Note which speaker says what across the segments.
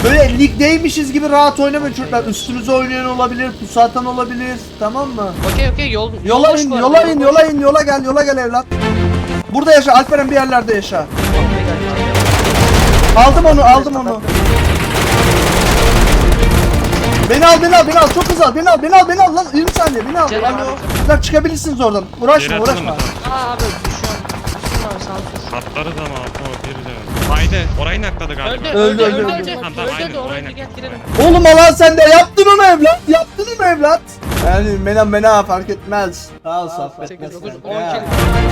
Speaker 1: Böyle ligdeymişiz gibi rahat oynamayın çocuklar. Üstünüze oynayan olabilir, pusu atan olabilir. Tamam mı?
Speaker 2: Okey
Speaker 1: Yola in, yola gel evlat. Burada yaşa, Alperen bir yerlerde yaşa. Aldım onu. Beni al, çok hızlı al, beni al lan, 20 saniye, beni al. Alo. Çıkabilirsiniz oradan, uğraşma.
Speaker 2: Aa abi düşüyorum. Düştüm abi sağ ol.
Speaker 3: Atlarız ama bir de. Haydi orayı nakladı galiba.
Speaker 1: Öldü.
Speaker 3: Tamam, aynen, orayı
Speaker 2: Gel
Speaker 3: nakladı.
Speaker 2: girelim.
Speaker 1: Oğlum alan sende, yaptın onu evlat. Yani mena fark etmez. Sağ ol, sohbet
Speaker 2: 8, 9,
Speaker 1: etmez.
Speaker 2: 10
Speaker 1: Ya.
Speaker 2: kill.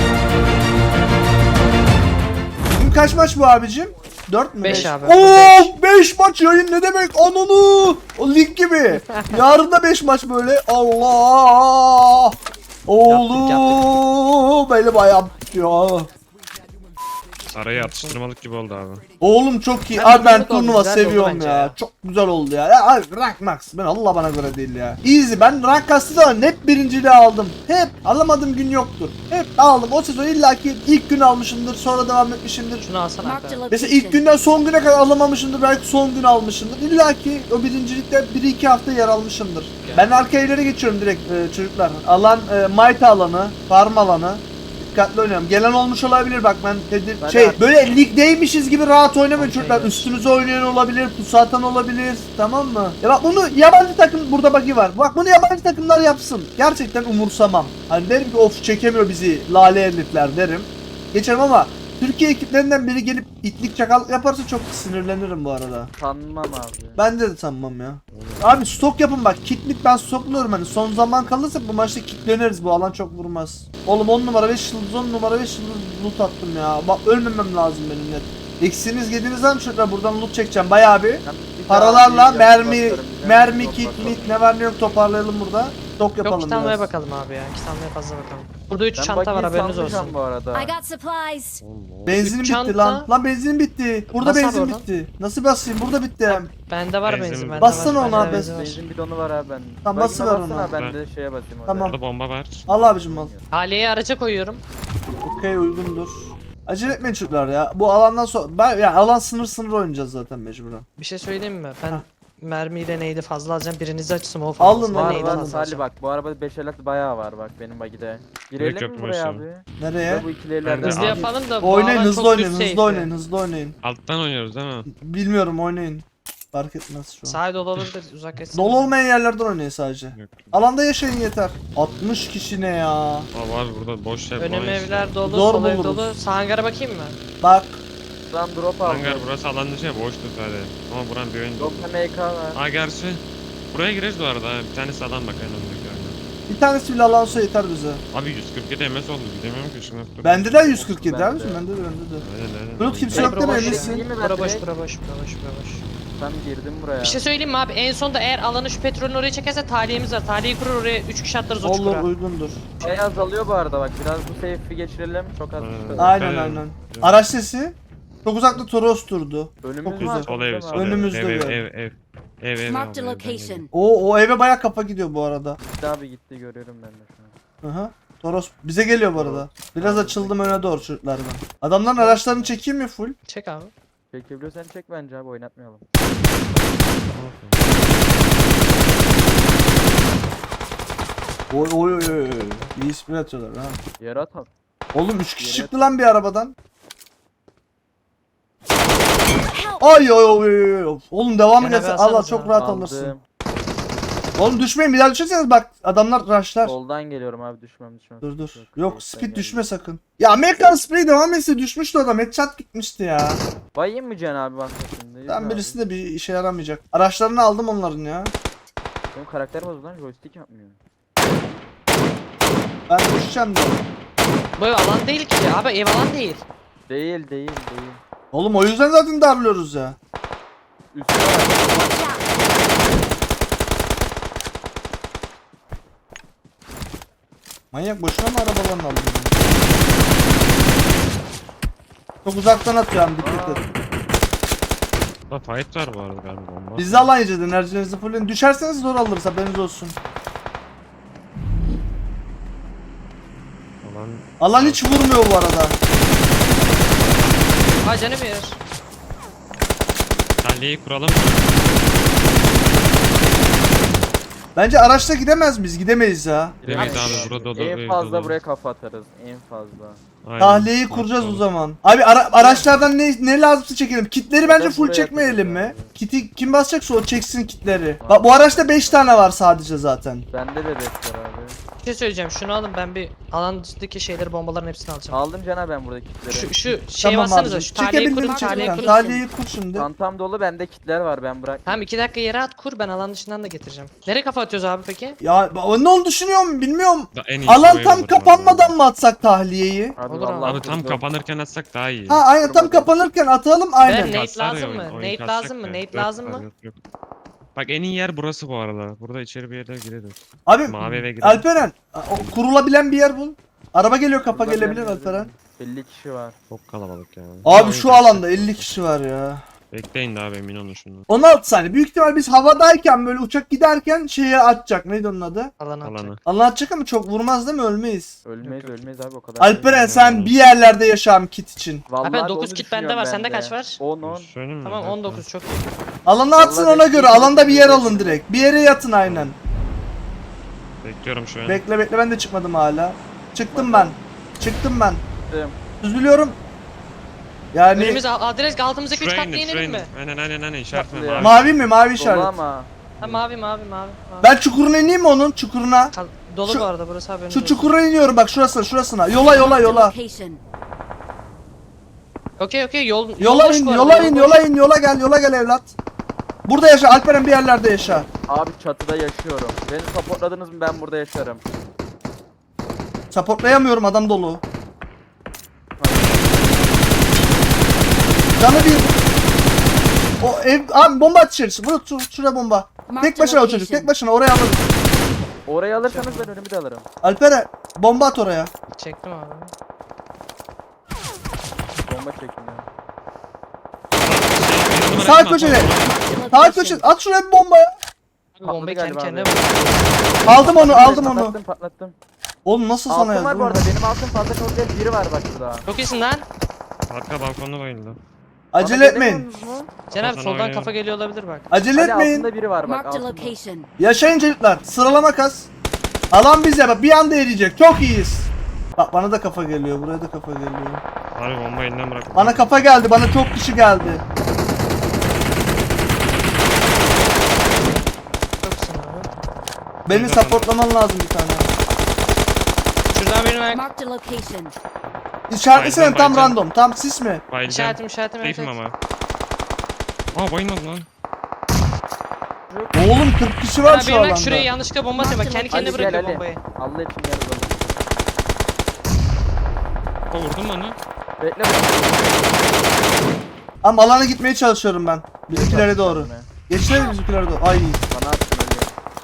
Speaker 1: Bugün kaç maç bu abicim? 4 mü?
Speaker 2: 5 abi.
Speaker 1: Oo 5 maç yayın ne demek? Ananı! O lig gibi. Yarın da 5 maç böyle. Allah! Oğlum elim ayağım tutuyor.
Speaker 3: Arayı atıştırmalık gibi oldu abi.
Speaker 1: Oğlum çok iyi.
Speaker 2: Ben
Speaker 1: Abi ben
Speaker 2: güzel oldu,
Speaker 1: turnuva
Speaker 2: güzel oldu
Speaker 1: seviyorum
Speaker 2: bence
Speaker 1: ya.
Speaker 2: ya.
Speaker 1: Çok güzel oldu ya. Ya abi rank max. Ben Allah bana göre değil ya. Easy. Ben rank kastı zaman hep birinciliği aldım. Hep alamadığım gün yoktur. Hep aldım. O sezon illaki ilk gün almışımdır. Sonra devam etmişimdir.
Speaker 2: Şunu alsana
Speaker 4: Marked a
Speaker 2: abi.
Speaker 1: Mesela ilk
Speaker 4: location.
Speaker 1: günden son güne kadar alamamışımdır. Belki son gün almışımdır. İlla ki o birincilikte 1-2 hafta yer almışımdır. Ben arka evlere geçiyorum direkt çocuklar. Alan Might alanı, farm alanı. Dikkatli oynuyorum. Gelen olmuş olabilir bak ben böyle ligdeymişiz gibi rahat oynamayın çocuklar. Üstünüze oynayan olabilir, pusu atan olabilir. Tamam mı? Ya bak bunu yabancı takım burada bagi var. Bak bunu yabancı takımlar yapsın. Gerçekten umursamam. Hani derim ki of çekemiyor bizi lale herifler derim. Geçerim ama Türkiye ekiplerinden biri gelip itlik çakallık yaparsa çok sinirlenirim bu arada.
Speaker 5: Sanmam abi.
Speaker 1: Ben de sanmam ya. Abi stok yapın bak. Kitlik ben stokluyorum hani. Son zaman kalırsa bu maçta kitleniriz. Bu alan çok vurmaz. Oğlum 10 numara 5 yıldız 10 numara 5 yıldız loot attım ya. Bak ölmemem lazım benim net. Eksiniz yediğiniz zaman şurada buradan loot çekeceğim bayağı bir. Paralarla mermi kitlik ne var ne yok toparlayalım burada. Stok
Speaker 2: Yok
Speaker 1: yapalım
Speaker 2: kit almaya
Speaker 1: biraz.
Speaker 2: bakalım abi ya. Kit almaya fazla bakalım. Burada 3 çanta var haberiniz olsun.
Speaker 5: Bu arada.
Speaker 4: I got supplies.
Speaker 1: Benzinim
Speaker 2: Üç
Speaker 1: bitti
Speaker 2: çanta.
Speaker 1: lan. Lan benzinim bitti. Burada
Speaker 2: Bas abi
Speaker 1: benzin
Speaker 2: oradan.
Speaker 1: bitti. Nasıl basayım? Burada bitti hem.
Speaker 2: Bende var
Speaker 3: Benzin-
Speaker 2: benzin. Bende
Speaker 1: Bassana
Speaker 2: var,
Speaker 1: ona
Speaker 2: bende
Speaker 1: abi.
Speaker 2: benzin var.
Speaker 5: Benzin bidonu var abi ben.
Speaker 1: Tamam, basıver
Speaker 5: Bagine
Speaker 1: ona.
Speaker 5: bassana, ben de şeye basayım orada.
Speaker 1: Tamam.
Speaker 3: Orada bomba var.
Speaker 1: Al abicim al.
Speaker 2: Haliye'yi araca koyuyorum.
Speaker 1: Okey uygundur. Acele etmeyin çocuklar ya. Bu alandan sonra alan sınır oynayacağız zaten mecburen.
Speaker 2: Bir şey söyleyeyim mi? Ben
Speaker 1: Heh.
Speaker 2: mermiyle neydi fazla alacağım. Birinizi açsın o
Speaker 1: Alın
Speaker 2: fazla.
Speaker 1: lan,
Speaker 5: Var
Speaker 2: neydi
Speaker 5: var
Speaker 2: fazla
Speaker 5: Salih
Speaker 2: alacağım.
Speaker 5: bak bu arabada 5 elat bayağı var bak benim bagide. Girelim
Speaker 3: yok
Speaker 5: mi
Speaker 3: mu
Speaker 5: buraya
Speaker 3: aşağı?
Speaker 5: abi?
Speaker 1: Nereye?
Speaker 5: Bu ikili
Speaker 3: Ben de
Speaker 2: Hızlı
Speaker 3: abi.
Speaker 2: yapalım da bu
Speaker 1: Oynayın
Speaker 2: alan
Speaker 1: hızlı
Speaker 2: çok
Speaker 1: oynayın
Speaker 2: düz
Speaker 1: hızlı
Speaker 2: safe
Speaker 1: oynayın
Speaker 2: ya.
Speaker 1: hızlı oynayın.
Speaker 3: Alttan oynuyoruz değil mi?
Speaker 1: Bilmiyorum oynayın. Fark etmez şu an.
Speaker 2: Sahil dolu olabilir uzak etsin.
Speaker 1: Dolu olmayan yerlerden oynayın sadece.
Speaker 3: Yok.
Speaker 1: Alanda yaşayın yeter. 60 kişi ne ya?
Speaker 3: Aa, var burada boş yer.
Speaker 2: Önüm
Speaker 3: boş.
Speaker 2: evler dolu,
Speaker 1: Zor
Speaker 2: sol ev
Speaker 1: buluruz.
Speaker 2: dolu. Sağ hangara bakayım mı?
Speaker 1: Bak
Speaker 5: Buradan drop aldım.
Speaker 3: Hangar burası alan dışı ya boştu sadece. Ama buranın bir oyuncu.
Speaker 5: Drop'ta MK var.
Speaker 3: Aa gerçi. Buraya gireriz bu arada. Bir tanesi alan bak en öndeki oyunda.
Speaker 1: bir tanesi bile alan olsa yeter bize.
Speaker 3: Abi 147 MS oldu gidemiyorum ki şuna.
Speaker 1: Bende de 147
Speaker 5: Bende
Speaker 1: abicim
Speaker 5: de.
Speaker 1: bende de.
Speaker 3: Aynen.
Speaker 1: Bulut kimse
Speaker 2: Hey,
Speaker 1: yok
Speaker 2: bura
Speaker 1: değil mi
Speaker 2: boş ya.
Speaker 1: eminsin?
Speaker 5: Değil mi
Speaker 2: Bura
Speaker 5: ben
Speaker 2: boş,
Speaker 5: direkt?
Speaker 2: bura boş, bura boş, bura boş.
Speaker 5: Tam girdim buraya.
Speaker 2: Bir şey söyleyeyim mi abi? En sonda eğer alanı şu petrolün oraya çekerse taliyemiz var. Taliyeyi kurur oraya 3 kişi atlarız o
Speaker 1: Olur
Speaker 2: çukura.
Speaker 1: uygundur.
Speaker 5: Şey azalıyor bu arada bak biraz bu safe'i geçirelim çok az.
Speaker 1: Aynen
Speaker 3: Evet.
Speaker 1: aynen. Araç sesi. Çok uzakta Toros durdu.
Speaker 5: Önümüz
Speaker 1: Çok
Speaker 5: var.
Speaker 1: güzel.
Speaker 3: Sol ev, sol ev.
Speaker 1: Önümüzde
Speaker 3: Ev,
Speaker 1: bir
Speaker 3: ev, ev. Ev.
Speaker 4: Marked a
Speaker 3: ev,
Speaker 4: location.
Speaker 1: O eve baya kafa gidiyor bu arada.
Speaker 5: Gitti abi gitti görüyorum ben de şu an.
Speaker 1: Aha. Toros bize geliyor bu arada. Biraz açıldım öne doğru çocuklar ben. Adamların araçlarını çekeyim mi full?
Speaker 2: Çek abi.
Speaker 5: Çekebiliyorsan çek bence abi oynatmayalım.
Speaker 1: Oy oy oy oy. İyi spray atıyorlar ha.
Speaker 5: Yere atalım.
Speaker 1: Oğlum 3 kişi
Speaker 5: Yere
Speaker 1: çıktı lan bir arabadan. Ay oy oy oy. Oğlum devamı
Speaker 2: Gene
Speaker 1: gelsin.
Speaker 2: bir
Speaker 1: Allah
Speaker 2: alsanız
Speaker 1: çok
Speaker 2: ha.
Speaker 1: rahat
Speaker 5: Aldım.
Speaker 1: alırsın. Oğlum düşmeyin bir daha düşerseniz bak adamlar rushlar.
Speaker 5: Soldan geliyorum abi düşmem.
Speaker 1: Dur dur.
Speaker 5: Yok,
Speaker 1: Yok
Speaker 5: safe'ten
Speaker 1: speed
Speaker 5: geldim.
Speaker 1: düşme sakın. Ya Amerikan spray devam etse düşmüştü adam. Headshot gitmişti ya.
Speaker 5: Bayayım mı Can abi bak şimdi? Yürü
Speaker 1: Ben
Speaker 5: abi.
Speaker 1: birisi de bir işe yaramayacak. Araçlarını aldım onların ya.
Speaker 5: Benim karakter bozuldu lan joystick yapmıyor.
Speaker 1: Ben düşeceğim de.
Speaker 2: Bu ev alan değil ki. Abi ev alan değil.
Speaker 5: Değil.
Speaker 1: Oğlum o yüzden zaten darlıyoruz ya.
Speaker 5: Üstüne bak.
Speaker 4: Watch out.
Speaker 1: Manyak boşuna mı arabalarını alıyorsun? Çok uzaktan atıyorum dikkat et.
Speaker 3: Burada fight var bu arada galiba bomba.
Speaker 1: Biz de alan yiyeceğiz enerjinizi fulleyin. Düşerseniz zor alırız haberiniz olsun.
Speaker 3: Alan
Speaker 1: Alan hiç vurmuyor bu arada.
Speaker 2: Ha canım yer.
Speaker 3: sen Tahliyeyi kuralım.
Speaker 1: Bence araçla gidemez miyiz? Gidemeyiz ya.
Speaker 3: Gidemeyiz
Speaker 5: Abi,
Speaker 3: abi, burada dolu,
Speaker 5: En
Speaker 3: ev
Speaker 5: fazla
Speaker 3: dolu.
Speaker 5: buraya kafa atarız. En fazla.
Speaker 3: Aynen.
Speaker 1: Tahliyeyi
Speaker 3: Bak
Speaker 1: kuracağız o
Speaker 3: dolu.
Speaker 1: zaman. Abi araçlardan ne lazımsa çekelim. Kitleri bence
Speaker 5: Ben
Speaker 1: full
Speaker 5: buraya
Speaker 1: çekmeyelim mi?
Speaker 5: atacağım abi.
Speaker 1: Kiti kim basacaksa o çeksin kitleri. Bak bu araçta 5 tane var sadece zaten.
Speaker 5: Bende de bekler abi.
Speaker 2: Bir şey söyleyeceğim. Şunu alın, ben bir alan dışındaki şeyleri, bombaların hepsini alacağım.
Speaker 5: Aldım Cana ben buradaki kitleri.
Speaker 2: Şu şey
Speaker 1: Tamam
Speaker 2: bassanıza.
Speaker 1: abicim.
Speaker 2: Şu tahliyeyi
Speaker 1: Çekebildiğini
Speaker 2: kurun, tahliyeyi
Speaker 1: çek.
Speaker 2: kurun.
Speaker 1: Tahliyeyi kur şimdi.
Speaker 5: Çantam dolu, bende kitler var, ben bırak.
Speaker 2: Tamam 2 dakika yere at, kur, ben alan dışından da getireceğim. Nereye kafa atıyoruz abi peki?
Speaker 1: Ya ne oldu düşünüyorum bilmiyorum.
Speaker 3: En iyisi
Speaker 1: Alan
Speaker 3: bu ev
Speaker 1: tam
Speaker 3: olur
Speaker 1: kapanmadan mı atsak tahliyeyi?
Speaker 5: Hadi
Speaker 2: Olur abi.
Speaker 5: vallahi
Speaker 3: Abi tam
Speaker 5: kurdum.
Speaker 3: kapanırken atsak daha iyi.
Speaker 1: Ha aynen tam kapanırken atalım
Speaker 2: Ben
Speaker 1: aynen.
Speaker 2: Nate
Speaker 3: Kaslar ya
Speaker 2: lazım mı?
Speaker 3: oyun
Speaker 2: Nate
Speaker 3: kasacak
Speaker 2: lazım mı?
Speaker 3: da.
Speaker 2: Nate
Speaker 3: Yok
Speaker 2: lazım
Speaker 3: var,
Speaker 2: mı?
Speaker 3: yok. Bak en iyi yer burası bu arada. Burada içeri bir yere gireriz.
Speaker 1: Abi
Speaker 3: Mavi eve girelim.
Speaker 1: Alperen kurulabilen bir yer bul. Araba geliyor kapa
Speaker 5: Burada
Speaker 1: gelebilir
Speaker 5: bilen
Speaker 1: Alperen.
Speaker 5: 50 kişi var.
Speaker 3: Çok kalabalık yani.
Speaker 1: Abi
Speaker 3: Oyun
Speaker 1: şu
Speaker 3: kasacak.
Speaker 1: alanda 50 kişi var ya.
Speaker 3: Bekleyin de abi, emin olun şunu.
Speaker 1: 16 saniye. Büyük ihtimal biz havadayken böyle uçak giderken şeye atacak. Neydi onun adı?
Speaker 2: Alan atacak.
Speaker 3: Alanı.
Speaker 1: Allah atacak ama çok vurmaz değil mi? Ölmeyiz.
Speaker 5: Ölmeyiz
Speaker 2: Yok, yok.
Speaker 5: ölmeyiz abi, o kadar.
Speaker 1: Alperen sen bir yerlerde yaşam kit için.
Speaker 5: Vallahi
Speaker 2: Abi
Speaker 5: abi
Speaker 2: 9
Speaker 5: onu
Speaker 2: kit bende
Speaker 5: düşünüyorum
Speaker 2: var, sende
Speaker 5: ben de.
Speaker 2: kaç var?
Speaker 5: 10.
Speaker 3: Söyleyeyim mi?
Speaker 2: Tamam
Speaker 3: Evet,
Speaker 2: 19 çok iyi.
Speaker 1: Alanı atsın
Speaker 5: Vallahi
Speaker 1: ona göre.
Speaker 5: bekliyorum.
Speaker 1: Alanda bir yer alın direkt. Bir yere yatın aynen.
Speaker 3: Bekliyorum şu an.
Speaker 1: Bekle bekle ben de çıkmadım hala. Çıktım ben. Çıktım ben.
Speaker 5: Çıktım.
Speaker 1: Üzülüyorum. Yani
Speaker 2: Önümüz adres altımızdaki 3
Speaker 3: Şuraya
Speaker 2: katlı
Speaker 3: inin,
Speaker 2: inelim mi?
Speaker 3: Aynen aynen işaretine
Speaker 5: Tatlı ya.
Speaker 3: mavi.
Speaker 1: mavi mi? Mavi
Speaker 5: Dolu
Speaker 1: işaret.
Speaker 5: ama.
Speaker 2: Ha mavi.
Speaker 1: Ben çukuruna ineyim mi onun? Çukuruna.
Speaker 2: Dolu
Speaker 1: Şu-
Speaker 2: bu arada burası abi.
Speaker 1: Şu çukura iniyorum bak şurasına. Yola.
Speaker 2: Okey yol
Speaker 1: Yola
Speaker 2: boş
Speaker 1: in,
Speaker 2: bu arada,
Speaker 1: yola
Speaker 2: yol
Speaker 1: in,
Speaker 2: boş.
Speaker 1: yola gel evlat. Burada yaşa, Alperen bir yerlerde yaşa.
Speaker 5: Abi çatıda yaşıyorum. Beni supportladınız mı ben burada yaşarım.
Speaker 1: Supportlayamıyorum adam dolu. Canı bir. O ev, abi bomba at içerisi. Şuraya bomba. Tek başına o çocuk, tek başına oraya alırız.
Speaker 5: Orayı alırsanız ben önümü de alırım.
Speaker 1: Alperen bomba at oraya.
Speaker 2: Çektim abi.
Speaker 5: Bomba çekin ya.
Speaker 1: Sağ köşede. Sağ köşede. At şuraya bir bomba ya.
Speaker 2: Abi bombayı kendi
Speaker 5: galiba
Speaker 2: kendine
Speaker 5: abi.
Speaker 2: vurdu.
Speaker 1: Aldım onu.
Speaker 5: Patlattım.
Speaker 1: Oğlum nasıl sana
Speaker 5: Altın
Speaker 1: yazdı?
Speaker 5: var bu arada. Benim altın fazla çok değil. Biri var bak şurada.
Speaker 2: Çok iyisin lan.
Speaker 3: Arka balkonda bayıldı.
Speaker 1: Acele
Speaker 5: Bana
Speaker 1: etmeyin.
Speaker 5: gelemiyorsunuz mu?
Speaker 2: Cenab
Speaker 3: Sana
Speaker 2: soldan
Speaker 3: oynuyorum.
Speaker 2: kafa geliyor olabilir bak.
Speaker 1: Acele
Speaker 5: Ali
Speaker 1: etmeyin.
Speaker 5: altında biri var bak.
Speaker 4: Marked a
Speaker 5: Altında.
Speaker 4: location.
Speaker 1: Yaşayın çocuklar. Sıralama kas. Alan bize bak bir anda eriyecek. Çok iyiyiz. Bak bana da kafa geliyor. Buraya da kafa geliyor.
Speaker 3: Abi bomba elinden bırak.
Speaker 1: Bana kafa geldi. Bana çok kişi geldi.
Speaker 2: Çok iyisin abi.
Speaker 1: Beni
Speaker 3: Güzel
Speaker 1: supportlaman lazım bir tane.
Speaker 2: Şuradan birine
Speaker 4: Marked a location.
Speaker 1: İşaretlesene
Speaker 3: Baycan,
Speaker 1: tam
Speaker 3: baycan.
Speaker 1: random. Tam sis mi?
Speaker 3: Bayılacağım.
Speaker 2: işaretim evet.
Speaker 3: Safe'im ama. Aa bayılmadı lan.
Speaker 1: Oğlum 40 kişi var
Speaker 2: Abi
Speaker 1: şu
Speaker 2: birine
Speaker 1: alanda.
Speaker 2: şuraya yanlışlıkla bomba atıyor bak, kendi
Speaker 5: Ali
Speaker 2: kendine
Speaker 5: gel
Speaker 2: bırakıyor
Speaker 5: Ali.
Speaker 2: bombayı.
Speaker 5: Allah için gel oğlum.
Speaker 3: Aa vurdun mu onu?
Speaker 5: Bekle.
Speaker 1: Ama alana gitmeye çalışıyorum ben. Bizimkilere doğru. Geçelim bizimkilere doğru. Ay.
Speaker 5: Bana attın Ali.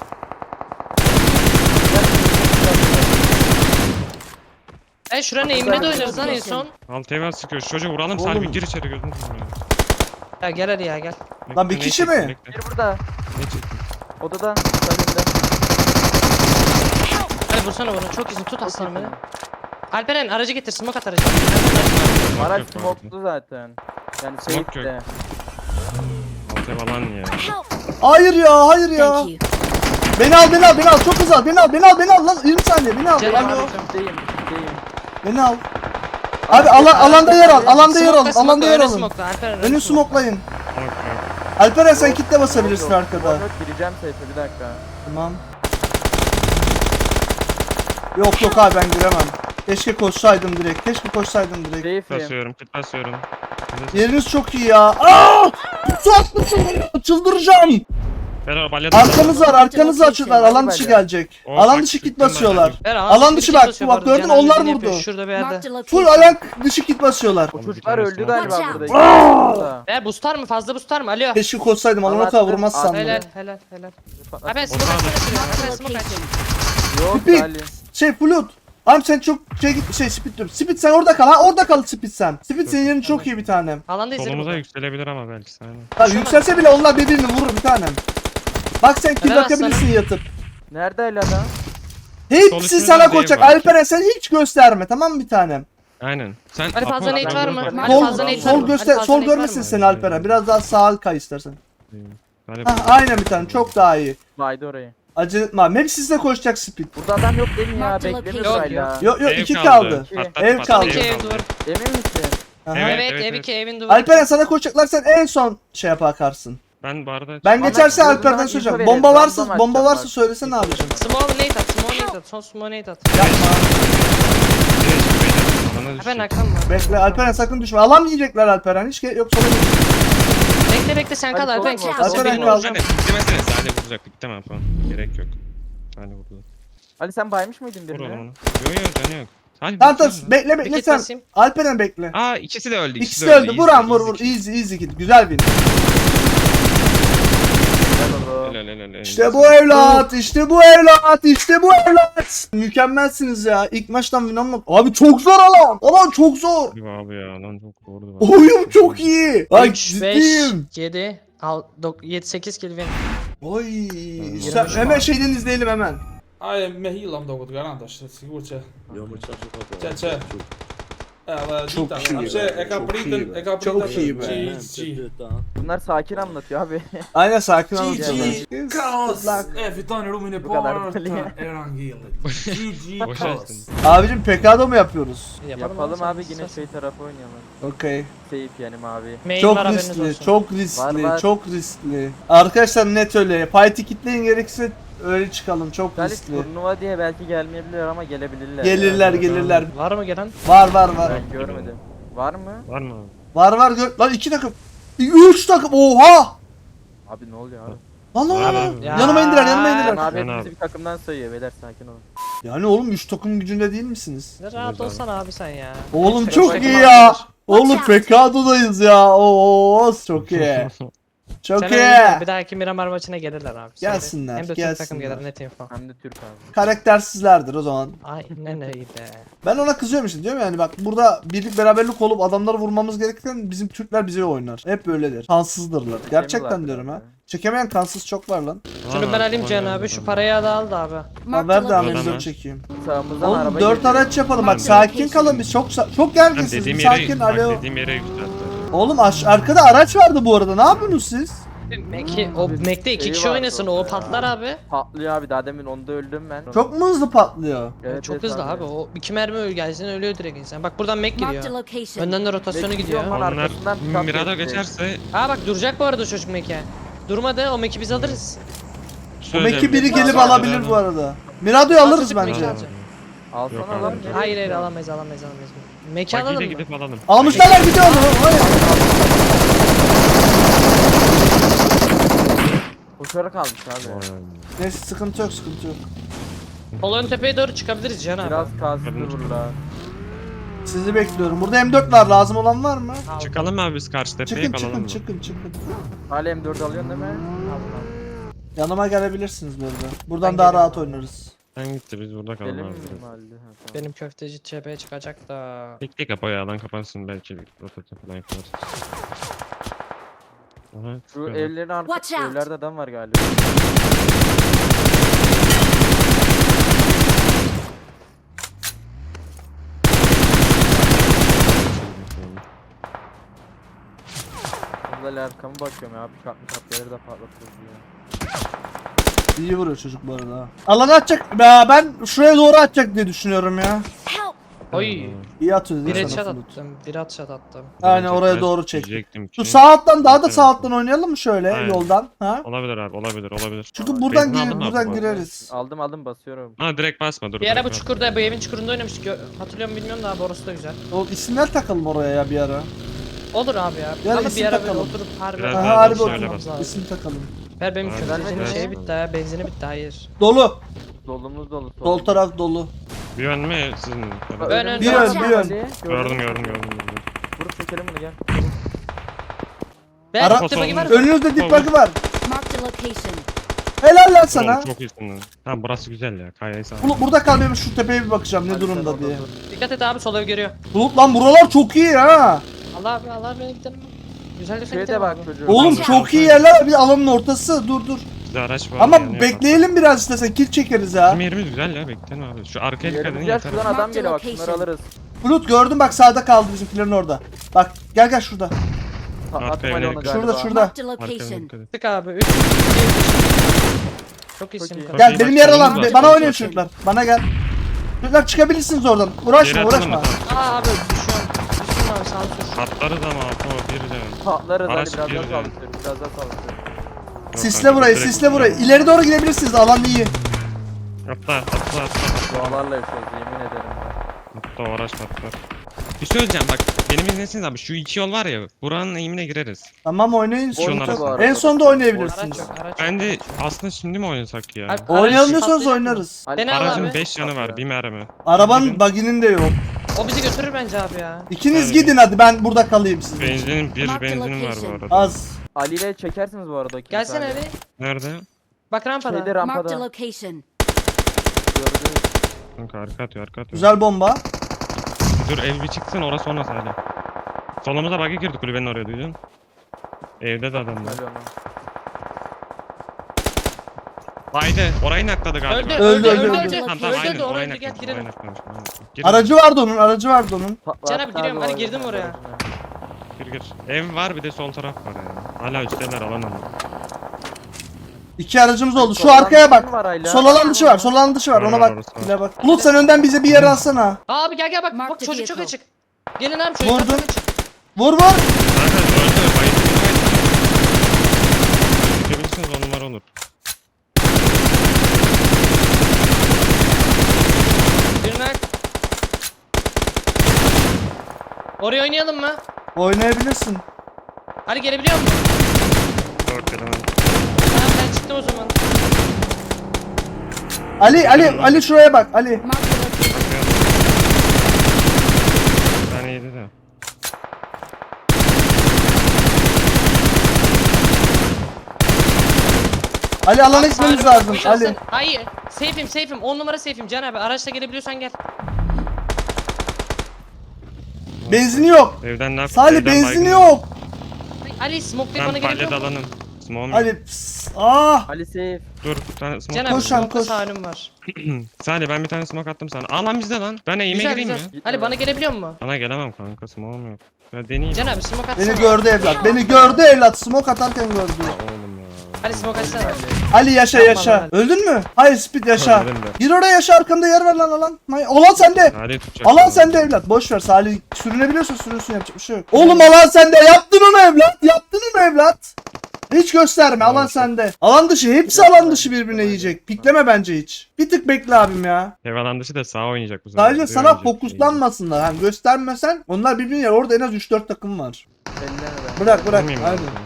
Speaker 2: Şuranın eğimine de oynarız lan en son.
Speaker 3: Alt eve sıkıyor. Şu çocuğu vuralım.
Speaker 1: Oğlum.
Speaker 3: Salih gir içeri, gözünü seveyim.
Speaker 2: Ya gel hadi ya gel.
Speaker 1: Lan bir
Speaker 3: Bekle,
Speaker 1: kişi
Speaker 3: ne çekti,
Speaker 1: mi?
Speaker 3: bekle.
Speaker 5: Bir burada.
Speaker 3: Ne çekti?
Speaker 5: Odada. Salimde.
Speaker 2: Hadi vursana bunu, çok iyisin, tut aslanım beni. Alperen aracı getir, smoke at aracı.
Speaker 3: Smoke
Speaker 5: Araç
Speaker 3: yok bu arada.
Speaker 5: smoklu zaten. Yani
Speaker 3: Smoke
Speaker 5: safe'de.
Speaker 3: Alt ev alan ya.
Speaker 4: Help!
Speaker 1: Hayır ya, hayır ya.
Speaker 4: Thank you.
Speaker 1: Beni al. Çok hızlı. Beni al lan. 20 saniye. Beni al.
Speaker 2: Canım
Speaker 1: Alo.
Speaker 2: abi.
Speaker 5: Üstteyim.
Speaker 1: Beni al. Abi alanda yer al. Alanda yer alın.
Speaker 2: Smoke'la,
Speaker 1: Alanda yer
Speaker 2: öne
Speaker 1: alın.
Speaker 2: smoke'la, Alperen öne
Speaker 1: Önü
Speaker 2: smoke'la.
Speaker 1: smoklayın.
Speaker 3: Smoke yok.
Speaker 1: Alperen sen kitle basabilirsin arkada.
Speaker 5: Yok gireceğim safe'e bir dakika.
Speaker 1: Tamam. Yok abi ben giremem. Keşke koşsaydım direkt.
Speaker 5: Safe'im.
Speaker 3: Basıyorum, kit basıyorum.
Speaker 1: Yeriniz çok iyi ya. Aa! Su atmışsın. Çıldıracağım.
Speaker 3: Ferah balya
Speaker 1: Arkanız var. Açıklar. Alan dışı gelecek.
Speaker 3: O
Speaker 1: Alan
Speaker 3: bak,
Speaker 1: dışı kit
Speaker 3: çıktım ben
Speaker 1: basıyorlar.
Speaker 3: abi.
Speaker 2: Ver,
Speaker 1: Alan dışı
Speaker 2: bir
Speaker 1: bak,
Speaker 2: kit basıyor
Speaker 1: bak
Speaker 2: bu arada,
Speaker 1: gördün,
Speaker 2: Cenab
Speaker 1: onlar
Speaker 2: dediğini yapıyor,
Speaker 1: vurdu.
Speaker 2: Şurada bir yerde.
Speaker 4: Marked a
Speaker 1: Full
Speaker 4: location.
Speaker 1: alan dışı kit basıyorlar.
Speaker 5: O
Speaker 3: Bir
Speaker 5: çocuklar
Speaker 3: tanesi
Speaker 5: öldü
Speaker 3: var.
Speaker 5: galiba
Speaker 4: Watch
Speaker 5: burada.
Speaker 4: out.
Speaker 5: Burada.
Speaker 2: Bustar mı, fazla bustar mı? Alo.
Speaker 1: Keşke koşsaydım. Alana kadar
Speaker 5: Anlattım.
Speaker 1: vurmazsam.
Speaker 2: Helal
Speaker 1: bile.
Speaker 2: helal.
Speaker 5: Patlattım.
Speaker 2: Abi smoke
Speaker 3: Orhan.
Speaker 2: atsana şuraya,
Speaker 4: Marked a
Speaker 2: Alperen smoke aç.
Speaker 4: location.
Speaker 5: Yok
Speaker 1: Spit.
Speaker 5: Ali.
Speaker 1: Flut. Abi sen çok Speed diyorum. Speed sen orada kal. Orada kal Speed sen. Speed senin yerin çok iyi bir tanem.
Speaker 2: Alanda izlerim.
Speaker 3: Solumuza
Speaker 2: burada.
Speaker 3: yükselebilir ama belki aynen.
Speaker 1: Tabii yükselse bile onlar birbirini vurur bir tanem. Bak sen kill
Speaker 2: Helal
Speaker 1: bakabilirsin yatıp.
Speaker 5: Nerede Ali adam?
Speaker 1: Hepsi
Speaker 3: Sonuçta
Speaker 1: sana
Speaker 3: değil
Speaker 1: koşacak.
Speaker 3: belki.
Speaker 1: Alperen sen hiç gösterme tamam mı bir tanem?
Speaker 3: Aynen. Sen
Speaker 2: Ali fazla
Speaker 3: Apo,
Speaker 2: nate
Speaker 3: ben
Speaker 2: var
Speaker 3: bunu
Speaker 2: mı?
Speaker 3: fark-
Speaker 2: Ali
Speaker 1: Sol,
Speaker 2: fazla nate var
Speaker 1: sol
Speaker 2: mı?
Speaker 1: göster,
Speaker 2: Ali fazla
Speaker 1: sol
Speaker 2: nate var
Speaker 1: görmesin
Speaker 2: mı?
Speaker 1: seni Alperen. Biraz daha sağa kay istersen.
Speaker 3: Hani
Speaker 1: Hah, aynen bir tane çok daha iyi.
Speaker 5: Baydı orayı.
Speaker 1: Acele etme abi. Hepsi size koşacak speed.
Speaker 5: Burada adam yok değil mi ya?
Speaker 4: Marked
Speaker 5: Beklemiyor
Speaker 4: location.
Speaker 5: hala.
Speaker 1: Yok yok
Speaker 3: Ev
Speaker 1: 2 kaldı.
Speaker 3: Patlat,
Speaker 1: Ev
Speaker 3: patlat,
Speaker 1: kaldı.
Speaker 2: İki ev duvar.
Speaker 5: Emin misin?
Speaker 1: Aha.
Speaker 3: Evet,
Speaker 2: Evet,
Speaker 3: evet,
Speaker 2: ev
Speaker 3: evet.
Speaker 2: 2 evin duvarı.
Speaker 1: Alperen sana koşacaklar, sen en son şey bakarsın.
Speaker 3: Ben bu arada...
Speaker 1: Ben
Speaker 5: Ama
Speaker 1: geçerse
Speaker 5: ben
Speaker 1: Alper'den
Speaker 5: buradan
Speaker 1: söyleyeceğim.
Speaker 5: info
Speaker 1: Bomba
Speaker 5: verelim,
Speaker 1: varsa
Speaker 5: random
Speaker 1: bomba
Speaker 5: atacağım
Speaker 1: varsa
Speaker 5: bak.
Speaker 1: söylesene abicim.
Speaker 2: Small nate at, small nate at. Son small nate at.
Speaker 1: Yapma.
Speaker 3: Alana
Speaker 2: Ben
Speaker 3: düşecek.
Speaker 2: Hakan var.
Speaker 1: Bekle Alperen sakın düşme. Alan yiyecekler Alperen. Hiç yok sola git.
Speaker 2: Bekle bekle sen kal
Speaker 5: Hadi
Speaker 2: Alperen.
Speaker 5: sol,
Speaker 2: Kal.
Speaker 5: sol.
Speaker 1: Alperen
Speaker 2: Benim
Speaker 1: kal.
Speaker 2: olacağım.
Speaker 3: Hani demesene Salih vuracaktık tamam falan. Gerek yok. Salih vurdu.
Speaker 5: Ali sen baymış mıydın
Speaker 3: Vur
Speaker 5: birini?
Speaker 3: oğlum onu. Yo yo canı yok. Salih
Speaker 1: Tamam tamam
Speaker 3: vursana.
Speaker 1: bekle
Speaker 2: Bir
Speaker 1: bekle
Speaker 2: kit
Speaker 1: sen.
Speaker 2: basayım.
Speaker 1: Alperen bekle.
Speaker 3: Aa ikisi de öldü.
Speaker 1: İkisi de öldü. Vuran vur vur.
Speaker 3: Easy.
Speaker 1: Easy git. Güzel win.
Speaker 5: Helal oğlum.
Speaker 3: Helal.
Speaker 1: İşte bu evlat. İşte bu evlat. İşte bu evlat. Mükemmelsiniz ya. İlk maçtan win almak. Abi çok zor alan. Alan çok zor.
Speaker 3: Abi ya lan çok doğru.
Speaker 1: Oyun çok iyi. Bak
Speaker 2: 3, 5,
Speaker 1: ciddiyim.
Speaker 2: 7, 7, 8 kill win.
Speaker 1: Oy. Sen, hemen şeyden izleyelim hemen.
Speaker 6: Ai, me healam da outro garanto, sigur që.
Speaker 7: Jo, më çfarë ka
Speaker 6: Çe, çe. Edhe
Speaker 1: Çok
Speaker 6: dita,
Speaker 1: iyi
Speaker 6: apse
Speaker 1: be,
Speaker 6: e ka
Speaker 1: çok
Speaker 6: pritën,
Speaker 1: iyi.
Speaker 6: e ka
Speaker 1: Çok
Speaker 6: pritën
Speaker 1: iyi be.
Speaker 6: GG.
Speaker 5: Bunlar sakin anlatıyor abi.
Speaker 1: Aynen sakin anlatıyorlar.
Speaker 6: GG. Kaos.
Speaker 1: Luck.
Speaker 6: E fiton rumin e
Speaker 5: Bu kadar
Speaker 6: parë
Speaker 5: böyle.
Speaker 6: të Erangillit. GG
Speaker 3: Boş
Speaker 6: Kaos.
Speaker 3: versin.
Speaker 1: Abicim pekado mu yapıyoruz?
Speaker 5: Yapalım abi yine şey tarafı oynayalım.
Speaker 1: Okey.
Speaker 5: Safe yani mavi.
Speaker 2: Main
Speaker 1: Çok
Speaker 2: var haberiniz
Speaker 1: riskli,
Speaker 2: olsun.
Speaker 1: çok riskli,
Speaker 5: Var.
Speaker 1: çok riskli. Arkadaşlar net öyle. Fight'i kitleyin gerekirse öyle çıkalım. Çok
Speaker 5: Galip
Speaker 1: riskli.
Speaker 5: turnuva diye belki gelmeyebilirler ama gelebilirler.
Speaker 1: Gelirler
Speaker 5: ya.
Speaker 1: gelirler.
Speaker 2: Var mı gelen?
Speaker 1: Var.
Speaker 5: Ben görmedim. Var mı?
Speaker 3: Var mı?
Speaker 1: Var gör. Lan 2 takım. 3 takım. Oha!
Speaker 5: Abi ne oluyor abi?
Speaker 1: Lan
Speaker 3: Var
Speaker 1: lan.
Speaker 3: abi.
Speaker 2: Ya.
Speaker 1: Yanıma indiler, yanıma
Speaker 5: Ben
Speaker 1: indiler.
Speaker 5: abi
Speaker 3: Ben
Speaker 5: hepimizi
Speaker 3: abi.
Speaker 5: bir takımdan sayıyor beyler sakin olun.
Speaker 1: Yani oğlum 3 takım gücünde değil misiniz?
Speaker 2: Rahat olsana abi sen ya.
Speaker 1: Oğlum
Speaker 2: Neyse,
Speaker 1: çok
Speaker 2: boş
Speaker 1: iyi
Speaker 2: ver.
Speaker 1: ya. Oğlum
Speaker 4: Watch out.
Speaker 1: Pekado'dayız ya. Oo çok iyi. Çok
Speaker 2: Sen
Speaker 1: iyi.
Speaker 2: öyle bir dahaki Miramar maçına gelirler abi.
Speaker 1: Gelsinler,
Speaker 2: Hem de Türk
Speaker 1: gelsinler.
Speaker 2: takım gelir net info.
Speaker 5: Hem de Türk abi.
Speaker 1: Karaktersizlerdir o zaman.
Speaker 2: Aynen öyle.
Speaker 1: Ben ona kızıyorum işte diyorum yani bak burada birlik beraberlik olup adamları vurmamız gerekirken bizim Türkler bize oynar. Hep böyledir. Kansızdırlar. Gerçekten diyorum ha. Çekemeyen kansız çok var lan.
Speaker 2: Şunu ben alayım Can abi. Şu parayı da al da abi.
Speaker 1: Ha
Speaker 4: Marked
Speaker 1: ver de
Speaker 4: a
Speaker 1: abi
Speaker 4: location.
Speaker 1: dur çekeyim.
Speaker 5: Sağımızdan
Speaker 1: Oğlum
Speaker 5: araba
Speaker 1: 4
Speaker 5: geliyor.
Speaker 1: araç yapalım bak
Speaker 4: Marked
Speaker 1: sakin
Speaker 4: location.
Speaker 1: kalın biz çok
Speaker 3: Ben
Speaker 1: gerginsiniz
Speaker 3: dediğim
Speaker 1: bir
Speaker 3: yere,
Speaker 1: sakin
Speaker 3: bak
Speaker 1: alo.
Speaker 3: dediğim yere yükselttiler.
Speaker 1: Oğlum arkada araç vardı bu arada ne yapıyorsunuz siz?
Speaker 2: O Mac'te iki
Speaker 5: Şeyi
Speaker 2: kişi
Speaker 5: vardı
Speaker 2: oynasın
Speaker 5: orada
Speaker 2: o
Speaker 5: ya.
Speaker 2: patlar abi.
Speaker 5: Patlıyor abi daha demin onda öldüm ben.
Speaker 1: Çok mu hızlı patlıyor?
Speaker 5: Evet,
Speaker 2: Çok
Speaker 5: evet
Speaker 2: hızlı abi. O iki mermi gelsin ölüyor direkt insan. Bak buradan Mac
Speaker 4: Marked a
Speaker 2: gidiyor.
Speaker 4: location.
Speaker 2: Önden de rotasyonu
Speaker 5: Mac
Speaker 2: gidiyor.
Speaker 5: gidiyor ama-
Speaker 3: Onlar
Speaker 5: arkasından bir kat
Speaker 3: Mirado
Speaker 5: geçti.
Speaker 3: geçerse
Speaker 2: Aa bak duracak bu arada çocuk Mac'e. Durmadı o Mac'i biz alırız.
Speaker 1: O Mek'i biri gelip
Speaker 2: Mirado.
Speaker 1: alabilir bu arada. Mirado'yu alırız
Speaker 2: Azıcık
Speaker 1: bence.
Speaker 2: Mac'i alacak.
Speaker 5: Alsana
Speaker 3: Yok
Speaker 5: lan.
Speaker 3: abi.
Speaker 5: nereye
Speaker 2: Hayır
Speaker 5: gidiyor?
Speaker 2: alamayız. Mac'i
Speaker 3: Bagiyle
Speaker 2: alalım mı?
Speaker 3: gidip alalım.
Speaker 1: Almışlar gidiyor oğlum. Hayır.
Speaker 5: Koşarak almış abi.
Speaker 1: Neyse sıkıntı yok.
Speaker 2: Sol ön tepeye doğru çıkabiliriz Can abi.
Speaker 5: Biraz kazdı vurla.
Speaker 1: Sizi bekliyorum. Burada M4 var lazım olan var mı?
Speaker 2: Al.
Speaker 3: Çıkalım abi biz karşı tepeye
Speaker 1: Çıkın
Speaker 3: kalalım
Speaker 1: çıkın
Speaker 3: mı?
Speaker 1: çıkın.
Speaker 5: Hala M4 alıyorsun değil mi?
Speaker 1: Yanıma gelebilirsiniz böyle. Buradan
Speaker 2: Ben
Speaker 1: daha
Speaker 2: gelirim
Speaker 1: rahat
Speaker 2: abi.
Speaker 1: oynarız.
Speaker 3: Ben gitti biz burada kalalım
Speaker 5: Gelir mi
Speaker 3: abi.
Speaker 5: mahalle? Ha, tamam.
Speaker 2: Benim köfteci tepeye çıkacak da.
Speaker 3: Bekle kapı ayağından kapansın belki bir rotatı falan yaparız. Aha,
Speaker 5: Şu
Speaker 3: çıkıyorlar.
Speaker 5: evlerin arkası
Speaker 4: Watch out.
Speaker 5: evlerde adam var galiba. Burada arkamı bakıyorum ya. Bir kapları da patlatıyoruz ya.
Speaker 1: İyi vuruyor çocuk bu arada. ha. Alanı atacak. Ya ben şuraya doğru atacak diye düşünüyorum ya.
Speaker 4: Help!
Speaker 2: Oy.
Speaker 1: İyi atıyor
Speaker 2: Bir
Speaker 1: dedi
Speaker 2: headshot
Speaker 1: sana Flut.
Speaker 2: attım. Bir headshot attım.
Speaker 1: Aynen oraya
Speaker 3: Çekmez
Speaker 1: doğru çek.
Speaker 3: diyecektim ki.
Speaker 1: Şu sağ alttan daha da sağ alttan oynayalım mı şöyle
Speaker 3: Aynen.
Speaker 1: yoldan? Ha?
Speaker 3: Olabilir abi olabilir.
Speaker 1: Çünkü buradan
Speaker 3: Benzin aldın mı abi
Speaker 1: buradan
Speaker 3: bu arada?
Speaker 1: gireriz.
Speaker 5: Aldım basıyorum.
Speaker 3: Ha direkt basma dur.
Speaker 2: Bir ara
Speaker 3: direkt
Speaker 2: bu
Speaker 3: basma.
Speaker 2: çukurda bu evin çukurunda oynamıştık. Hatırlıyor mu bilmiyorum da abi orası da güzel.
Speaker 1: O isimler takalım oraya ya bir ara.
Speaker 2: Olur abi ya.
Speaker 1: Yani
Speaker 2: Ama
Speaker 1: isim
Speaker 2: bir ara böyle
Speaker 1: takalım.
Speaker 2: oturup harbi.
Speaker 3: Biraz
Speaker 1: Aha
Speaker 3: daha
Speaker 1: harbi
Speaker 3: şöyle
Speaker 1: oturmamız
Speaker 3: bas.
Speaker 1: lazım. İsim takalım.
Speaker 2: Ver benim
Speaker 3: Aynen.
Speaker 2: köftecinin
Speaker 5: Vermedi.
Speaker 2: şeyi bitti ha. Benzini bitti hayır.
Speaker 1: Dolu.
Speaker 5: Dolumuz dolu.
Speaker 1: Sol taraf dolu.
Speaker 3: Bir ön mü sizin?
Speaker 2: Ön,
Speaker 1: Bir
Speaker 2: ön.
Speaker 1: ön bir ön.
Speaker 3: Gördüm.
Speaker 5: Vurup çekelim bunu gel.
Speaker 2: Ver
Speaker 1: Ara-
Speaker 2: gitti bagi var mı?
Speaker 1: Önünüzde dip bug'ı var.
Speaker 4: Marked a location.
Speaker 1: Helal lan sana.
Speaker 3: Oğlum, çok iyisin lan. Tamam burası güzel ya. Kayayı sağ.
Speaker 1: Burada kal benim şu tepeye bir bakacağım ne
Speaker 5: Hadi sen
Speaker 1: durumda
Speaker 5: orada
Speaker 1: diye.
Speaker 5: dur.
Speaker 2: Dikkat et abi sol ev görüyor.
Speaker 1: Bulut lan buralar çok iyi ha.
Speaker 2: Allah abi beni gidelim. Güzel de
Speaker 5: Şeye de bak çocuğum.
Speaker 1: Oğlum
Speaker 4: Watch
Speaker 1: çok iyi yerler bir alanın ortası. Dur.
Speaker 3: Bizde araç var.
Speaker 1: Ama
Speaker 3: yanıyor.
Speaker 1: bekleyelim biraz istersen kill çekeriz ha.
Speaker 3: Bizim yerimiz güzel ya bekleyelim abi. Şu arkaya dikkat edin
Speaker 5: Yerimiz
Speaker 3: yeter.
Speaker 5: şuradan adam
Speaker 4: Marked
Speaker 5: geliyor bak
Speaker 4: location.
Speaker 5: şunları alırız.
Speaker 1: Bulut gördüm bak sağda kaldı bizimkilerin orada. Bak gel şurada.
Speaker 3: Arkaya
Speaker 5: Attım Ali onu
Speaker 3: yönelik.
Speaker 5: galiba.
Speaker 1: Şurada.
Speaker 4: Marked a
Speaker 3: Arkana
Speaker 4: location.
Speaker 3: dikkat et.
Speaker 2: Tık abi. 3. Çok iyisin.
Speaker 5: iyi.
Speaker 2: Çok
Speaker 1: Gel
Speaker 3: iyi,
Speaker 1: benim
Speaker 3: bak,
Speaker 1: yer
Speaker 3: solumuz
Speaker 1: alan
Speaker 3: var.
Speaker 1: bana oynayın
Speaker 3: Solumuz
Speaker 1: çocuklar. Bana gel. Çocuklar çıkabilirsiniz oradan. Uğraşma
Speaker 3: Geri atalım mı?
Speaker 1: uğraşma.
Speaker 3: Tamam.
Speaker 2: Aa abi düşüyorum. Düştüm abi sağ ol.
Speaker 3: Atlarız ama o bir canım.
Speaker 5: Patlarız Ali
Speaker 3: Araç
Speaker 5: biraz daha
Speaker 3: giriyor.
Speaker 5: saldırıyorum. Biraz daha saldırıyorum.
Speaker 3: Yok
Speaker 1: Sisle
Speaker 3: kanka,
Speaker 1: burayı,
Speaker 3: direkt
Speaker 1: sisle burayı. İleri doğru gidebilirsiniz. Alan iyi.
Speaker 3: Atla.
Speaker 5: Dualarla yaşıyoruz yemin ederim.
Speaker 3: Atla uğraşma atla. Bir şey söyleyeceğim bak. Benim izlesiniz abi. Şu iki yol var ya. Buranın eğimine gireriz.
Speaker 1: Tamam oynayın.
Speaker 3: Boş
Speaker 1: Sorun
Speaker 3: onlar
Speaker 1: yok.
Speaker 3: var.
Speaker 1: En sonda
Speaker 2: Araç
Speaker 1: oynayabilirsiniz.
Speaker 2: yok. Araç
Speaker 3: Ben de
Speaker 2: yok.
Speaker 3: aslında şimdi mi oynasak ya?
Speaker 2: Abi,
Speaker 1: Oynayalım
Speaker 2: araç
Speaker 1: diyorsanız
Speaker 2: patlayacak mı?
Speaker 1: oynarız.
Speaker 5: Ali,
Speaker 2: Beni al
Speaker 3: Aracın
Speaker 2: abi.
Speaker 3: 5 yanı var. Bir mermi.
Speaker 1: Arabanın baginin de yok.
Speaker 2: O bizi götürür bence abi ya.
Speaker 1: İkiniz
Speaker 3: Tabii.
Speaker 1: gidin hadi ben burada kalayım sizin için.
Speaker 3: Benzinim bir
Speaker 4: Mark the
Speaker 3: benzinim var bu
Speaker 4: location.
Speaker 3: arada.
Speaker 1: Az.
Speaker 5: Ali ile çekersiniz bu arada. o kilidi
Speaker 2: Gelsene
Speaker 5: Ali.
Speaker 2: Ali.
Speaker 3: Nerede?
Speaker 2: Bak rampada.
Speaker 5: Şeyde
Speaker 4: Marked a
Speaker 5: rampada.
Speaker 4: location.
Speaker 5: Gördünüz.
Speaker 3: Kanka arka atıyor.
Speaker 1: Güzel bomba.
Speaker 3: Dur ev bir çıksın orası sonra hala. Solumuza bug'a girdi kulübenin oraya duydun. Evde de adam var.
Speaker 5: Ali onu.
Speaker 3: Haydi orayı nakladı galiba.
Speaker 1: Öldü, öldü.
Speaker 3: Tamam tamam aynen
Speaker 2: Öldü,
Speaker 3: orayı
Speaker 2: öldü, gel
Speaker 3: naklamış.
Speaker 2: girelim.
Speaker 3: Orayı naklamış. Girin.
Speaker 1: Aracı vardı onun.
Speaker 2: Can abi giriyorum, hadi girdim oraya.
Speaker 3: Gir. Ev var bir de sol taraf var yani. Hala üstteler alan ama.
Speaker 1: İki aracımız oldu. Şu
Speaker 5: Sol alan
Speaker 1: arkaya
Speaker 5: dışı
Speaker 1: bak.
Speaker 5: mı var hala?
Speaker 1: Sol alan dışı var. Sol alan dışı var. Ona
Speaker 3: Var,
Speaker 1: bak.
Speaker 3: orası var.
Speaker 1: Bile bak. Bulut sen önden bize bir yer alsana.
Speaker 2: Abi gel bak.
Speaker 4: Mark
Speaker 2: Bak
Speaker 4: the
Speaker 2: çocuk çok
Speaker 4: vehicle.
Speaker 2: açık. Gelin abi çocuk
Speaker 1: Vurdum.
Speaker 2: çok açık.
Speaker 1: Vur.
Speaker 3: Kanka öldü. Bayıldı. Çıkabilirsiniz 10 numara olur.
Speaker 2: Birine. Oraya oynayalım mı?
Speaker 1: Oynayabilirsin.
Speaker 2: Hadi gelebiliyor musun?
Speaker 3: 4 kere ben.
Speaker 2: Tamam ben çıktım o zaman.
Speaker 1: Ali şuraya bak. Ali.
Speaker 4: Marked a location.
Speaker 3: Bakıyorum. Bir tane yedi de.
Speaker 1: Ali alana gitmemiz lazım. Ali.
Speaker 2: Hayır. Safe'im. 10 numara safe'im. Can abi araçla gelebiliyorsan gel.
Speaker 1: Benzini yok.
Speaker 3: Evden ne
Speaker 1: Salih
Speaker 3: evden
Speaker 1: benzini
Speaker 3: baygın.
Speaker 1: yok.
Speaker 2: Ali smoke'layıp bana
Speaker 3: Ben
Speaker 2: gelebiliyor
Speaker 3: pallet
Speaker 2: musun?
Speaker 3: alanım. Smoke'um yok.
Speaker 1: Ali. Ah.
Speaker 5: Ali safe.
Speaker 3: Dur bir tane smoke.
Speaker 2: Can abi
Speaker 1: Koş lan,
Speaker 2: smoke'la
Speaker 1: koş.
Speaker 2: sağlığım var.
Speaker 3: Salih ben bir tane smoke attım sana. Aa lan bizde lan. Ben eğime
Speaker 2: Güzel
Speaker 3: gireyim
Speaker 2: güzel.
Speaker 3: mi?
Speaker 2: Ali bana gelebiliyor musun?
Speaker 3: Bana gelemem kanka smoke'um yok. Ya deneyeyim.
Speaker 2: Can abi smoke atsana.
Speaker 1: Beni gördü evlat. Beni gördü evlat. Smoke atarken gördü.
Speaker 3: Oğlum ya.
Speaker 2: Ali smoke atsana.
Speaker 1: Ali yaşa yaşa. Öldün mü? Hayır Speed yaşa.
Speaker 3: Öldüm de.
Speaker 1: Gir oraya yaşa arkamda yer ver lan alan. Alan sende.
Speaker 3: Salih tutacak.
Speaker 1: Alan sende evlat. Boş ver Salih. Sürünebiliyorsun sürünsün yapacak bir şey yok. Oğlum alan sende. Yaptın onu evlat. Yaptın onu evlat. Hiç gösterme alan sende. Alan dışı hepsi alan dışı birbirine yiyecek. Pikleme bence hiç. Bir tık bekle abim ya.
Speaker 3: Ev alan dışı da sağ oynayacak bu sefer.
Speaker 1: Sadece
Speaker 3: Buraya
Speaker 1: sana
Speaker 3: oynayacak.
Speaker 1: fokuslanmasınlar. Hani göstermesen onlar birbirine yer. Orada en az 3-4 takım var.
Speaker 5: Elleme ben.
Speaker 1: Bırak
Speaker 3: Vurmayayım ben
Speaker 1: aynen.
Speaker 3: sana.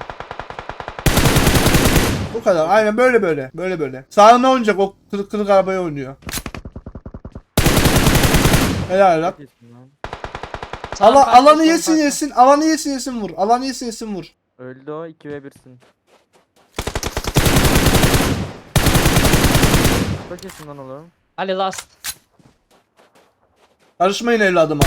Speaker 1: Bu kadar. Aynen böyle. Sağına oynayacak o kırık arabaya oynuyor. Helal lan.
Speaker 5: Kesin lan.
Speaker 2: Sağ farklı,
Speaker 1: Alanı
Speaker 2: sol
Speaker 1: yesin
Speaker 2: farklı.
Speaker 1: yesin. Alanı yesin vur. Alanı yesin vur.
Speaker 5: Öldü o 2v1'sin. Çok iyisin lan oğlum.
Speaker 2: Ali last.
Speaker 1: Karışmayın evladıma.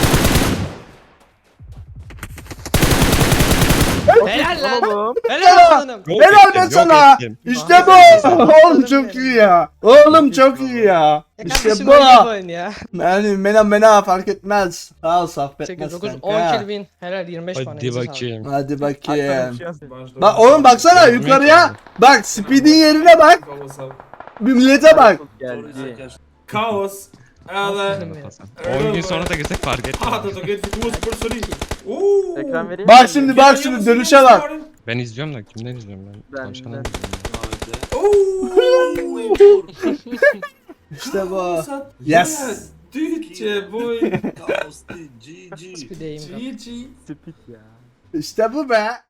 Speaker 2: Helal lan.
Speaker 5: Oğlum.
Speaker 2: Helal lan.
Speaker 3: Yok
Speaker 1: Helal
Speaker 3: ettim,
Speaker 1: be
Speaker 3: yok
Speaker 1: sana.
Speaker 3: ettim.
Speaker 1: İşte bu. Oğlum çok iyi ya. Oğlum çok iyi ya.
Speaker 2: Ya
Speaker 1: İşte
Speaker 2: kardeşim
Speaker 1: bu.
Speaker 2: oyna bu oyun ya.
Speaker 1: Yani mena fark etmez. Sağ ol
Speaker 2: 8,
Speaker 1: saffetmez
Speaker 2: 9, 10
Speaker 1: kanka.
Speaker 2: kill win. Helal 25 puan.
Speaker 3: Hadi
Speaker 2: elinize
Speaker 3: bakayım.
Speaker 1: Hadi
Speaker 5: Hatta
Speaker 1: bakayım.
Speaker 5: bir şey yazıyor.
Speaker 1: Bak oğlum baksana yukarıya. Bak Speed'in yerine bak. Bir millete bak.
Speaker 5: Geldi.
Speaker 6: Kaos. Eller...
Speaker 2: sağlık.
Speaker 3: 10 gün sonra da gitsek fark etmez.
Speaker 6: Ah, dat geeft die koers per serie.
Speaker 5: Ekran vereyim
Speaker 1: Bak
Speaker 5: mi?
Speaker 1: şimdi bak şimdi dönüşe bak.
Speaker 3: Ben izliyorum da kimden izliyorum ben?
Speaker 5: Ben-
Speaker 3: Tavşan'dan
Speaker 5: ben.
Speaker 3: izliyorum.
Speaker 1: İşte bu.
Speaker 6: Yes.
Speaker 1: Yes.
Speaker 6: Duurtje, boy.
Speaker 2: Bir deyim.
Speaker 6: GG.
Speaker 5: Spit ya.
Speaker 1: İşte bu be.